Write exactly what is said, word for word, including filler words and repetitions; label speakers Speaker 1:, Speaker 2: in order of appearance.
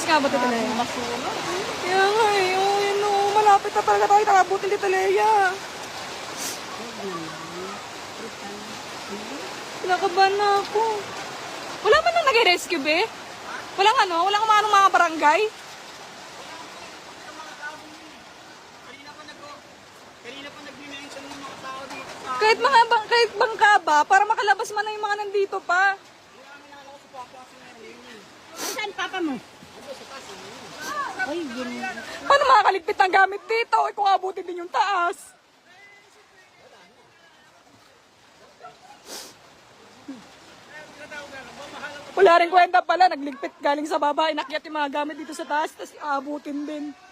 Speaker 1: nga ba, Tita Leia?
Speaker 2: Basura.
Speaker 1: Kaya nga eh, oh, yun oh, malapit na talaga tayo, nakabuti Tita Leia. Kinakabahan na ako. Wala man nang nag-rescue, be? Walang ano? Walang umanong mga barangay?
Speaker 2: Kanina pa nag Kanina pa nag-mention ng mga tao dito sa...
Speaker 1: Kahit mga bang, kahit bangka ba, para makalabas man na yung mga nandito pa.
Speaker 2: Saan papa mo? Ay, gini.
Speaker 1: Paano makakaligpit ng gamit dito? Eh, kung abutin din yung taas. Wala rin kwenta pala, nagligpit galing sa baba, inakyat yung mga gamit dito sa taas, tapos aabutin din.